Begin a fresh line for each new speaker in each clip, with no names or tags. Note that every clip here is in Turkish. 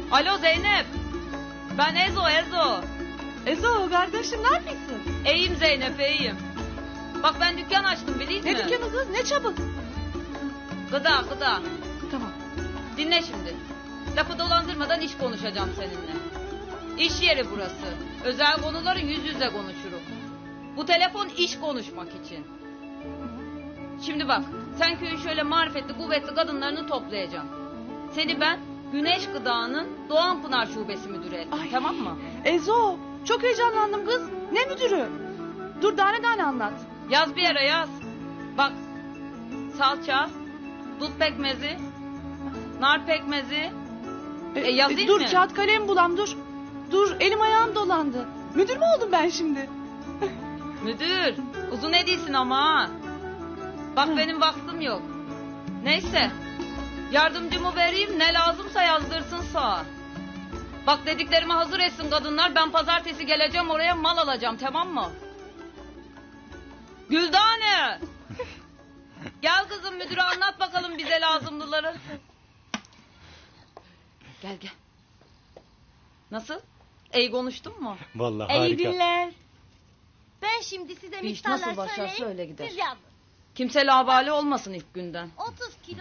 Alo Zeynep. Ben Ezo.
Ezo kardeşim ne yapıyorsun?
İyiyim Zeynep, iyiyim. Bak ben dükkan açtım biliyor musun?
Ne dükkanı kız, ne çabuk?
Gıda.
Tamam.
Dinle şimdi. Lafı dolandırmadan iş konuşacağım seninle. İş yeri burası. Özel konuları yüz yüze konuşuruz. Bu telefon iş konuşmak için. Şimdi bak, sen köyün şöyle marifetli, kuvvetli kadınlarını toplayacaksın. Seni ben Güneş Gıda'nın Doğanpınar Şubesi müdürü ettim, tamam mı?
Ezo, çok heyecanlandım kız. Ne müdürü? Dur tane anlat.
Yaz bir yere yaz. Bak, salça, dut pekmezi, nar pekmezi. Yazayım
dur
mı?
kağıt kalem bulam dur. Dur elim ayağım dolandı. Müdür mü oldum ben şimdi?
Müdür, uzun edilsin ama ha. Bak benim vaktim yok. Neyse, yardımcımı vereyim, ne lazımsa yazdırsın sağa. Bak dediklerimi hazır etsin kadınlar, ben pazartesi geleceğim oraya mal alacağım, tamam mı? Güldane! Gel kızım müdüre anlat bakalım bize lazımlıları. Gel. Nasıl? İyi konuştun mu?
Vallahi
İyi
harika.
günler. Ben şimdi size
Bir iş
miktarlar
nasıl başlar,
söyleyeyim,
söyle gider.
siz yazın.
Kimse labali olmasın ilk günden.
30 kilo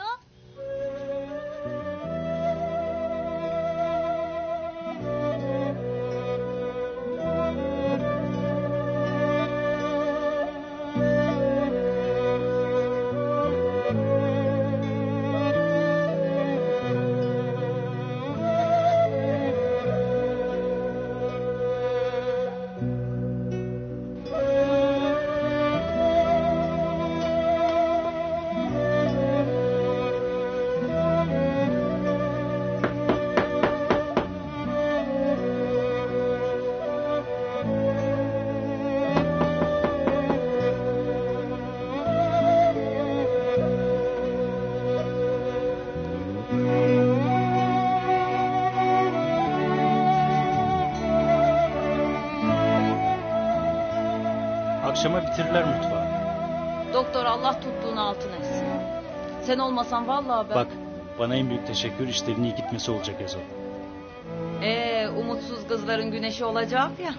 Akşama bitirirler mutfağı.
Doktor Allah tuttuğunu altın etsin. Sen olmasan vallahi ben...
Bak, bana en büyük teşekkür işlerin iyi gitmesi olacak Ezo.
Umutsuz kızların güneşi olacak ya.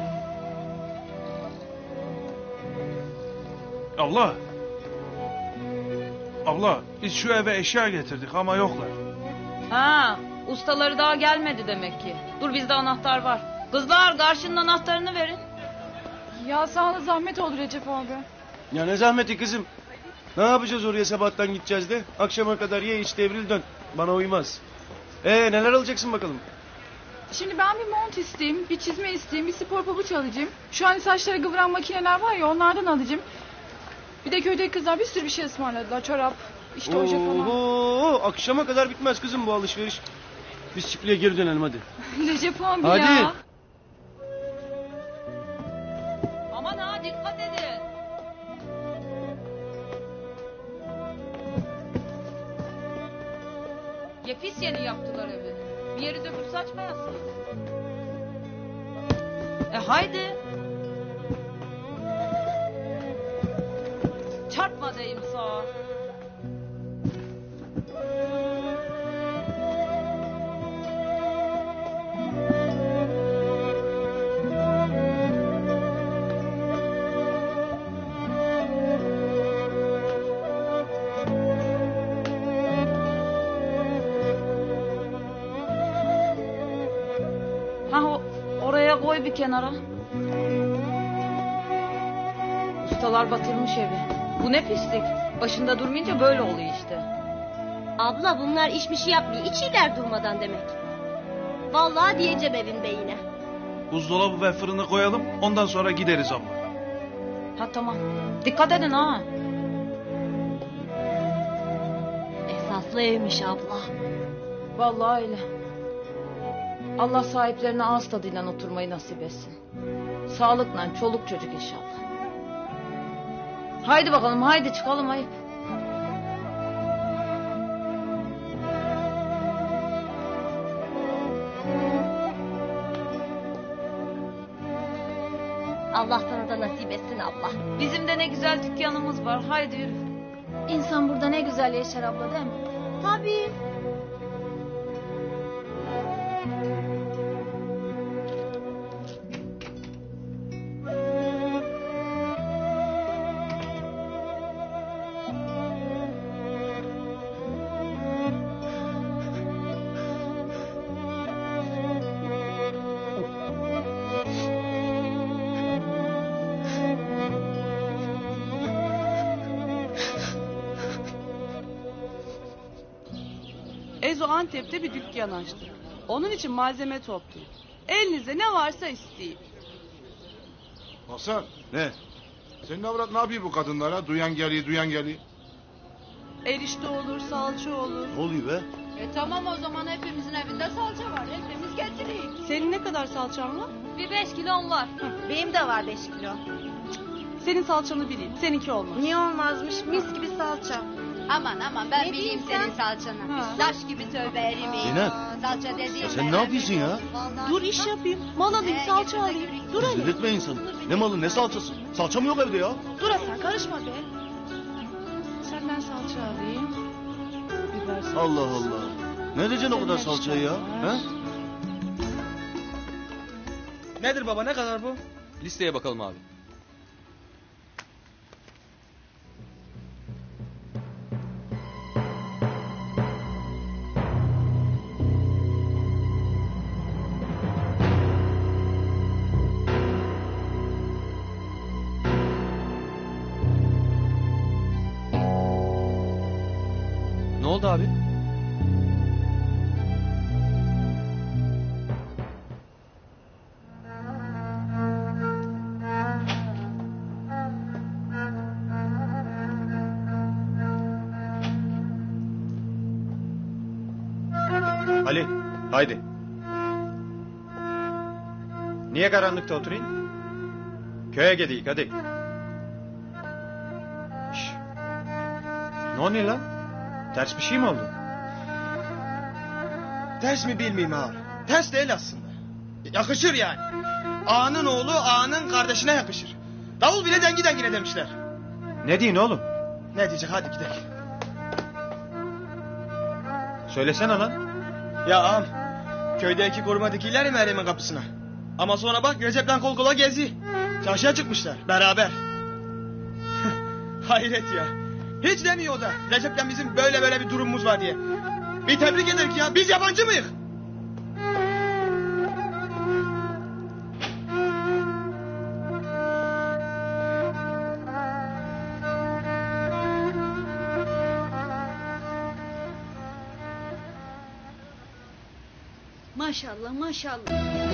Abla biz şu eve eşya getirdik ama yoklar.
Ha, ustaları daha gelmedi demek ki. Dur bizde anahtar var. Kızlar karşının anahtarını verin.
Ya sana zahmet olur Recep abi.
Ya ne zahmeti kızım. Ne yapacağız oraya sabahtan gideceğiz de. Akşama kadar ye iç devril dön. Bana uymaz. Neler alacaksın bakalım.
Şimdi ben bir mont isteyeyim, bir çizme isteyeyim, bir spor pabuç alacağım. Şu an saçları kıvıran makineler var ya onlardan alacağım. Bir de köydeki kızlar bir sürü bir şey ısmarladılar. Çorap, işte oje falan.
Oo, akşama kadar bitmez kızım bu alışveriş. Biz çiftliğe geri dönelim hadi.
Recep abi
Hadi.
ya.
Aman ha dikkat edin. Ya pis yeni yaptılar evi. Bir yeri döküp saçmayasınız. Haydi. Çarpma deyim sağa. Oraya koy bir kenara. Ustalar batırmış evi. Bu ne pislik. Başında durmayınca böyle oluyor işte.
abla bunlar işmişi yapmıyor. İçiler durmadan demek. Vallahi diyeceğim evin beyine.
Buzdolabı ve fırını koyalım ondan sonra gideriz abla.
Ha tamam. Dikkat edin ha.
Esaslı evmiş abla.
Vallahi öyle. Allah sahiplerine ağız tadıyla oturmayı nasip etsin. Sağlıkla çoluk çocuk inşallah. Haydi bakalım haydi çıkalım ayıp.
Allah sana da nasip etsin abla.
Bizim de ne güzel dükkanımız var. Haydi yürü.
İnsan burada ne güzel yaşar abla değil mi?
Tabii.
Ezo Antep'te bir dükkan açtı. Onun için malzeme topluyor. Elinizde ne varsa isteyin.
Hasan,
Ne?
senin avrat ne yapıyor bu kadınlara? Duyan geliyor, duyan geliyor.
Erişte olur, salça olur.
Ne oluyor be?
Tamam o zaman hepimizin evinde salça var. Hepimiz getireyim.
Senin ne kadar salçan var?
Bir 5 kilom var.
Benim de var 5 kilo.
Senin salçanı bileyim, seninki olmaz.
Niye olmazmış? Mis gibi salça.
Aman ben
Ne
bileyim
diyeyim
senin
sen?
salçanı.
Ha.
Taş gibi tövbe erimeyin.
Zeynep.
Salça dediğim
Sen ne yapıyorsun ya?
Dur iş yapayım, mal alayım, salça alayım. Dur hele.
Delirtme insanı. Ne malı ne salçası? Salçam yok evde ya.
Dur Hasan, karışma be. Senden salça alayım. Biber salçası.
Allah Allah. Ne edeceksin o kadar salçayı ya? He?
Nedir baba, ne kadar bu?
Listeye bakalım abi. Ne oldu abi?
Ali, haydi. Niye karanlıkta oturayım? Köye gideyim, hadi. Şş. Ne oluyor lan? Ters bir şey mi oldu?
Ters mi bilmeyeyim ağam. Ters değil aslında. Yakışır yani. Ağanın oğlu ağanın kardeşine yakışır. Davul bile dengi dengine demişler.
Ne diyorsun oğlum?
Ne diyecek hadi gidelim.
Söylesene lan.
Ya ağam köydeki koruma dikiller ya Meryem'in kapısına. Ama sonra bak Recep'le kol kola gezi. Çarşıya çıkmışlar beraber. Hayret ya. Hiç demiyor o da Recep'le bizim böyle bir durumumuz var diye. Bir tebrik ederik ya, biz yabancı mıyız?
Maşallah maşallah.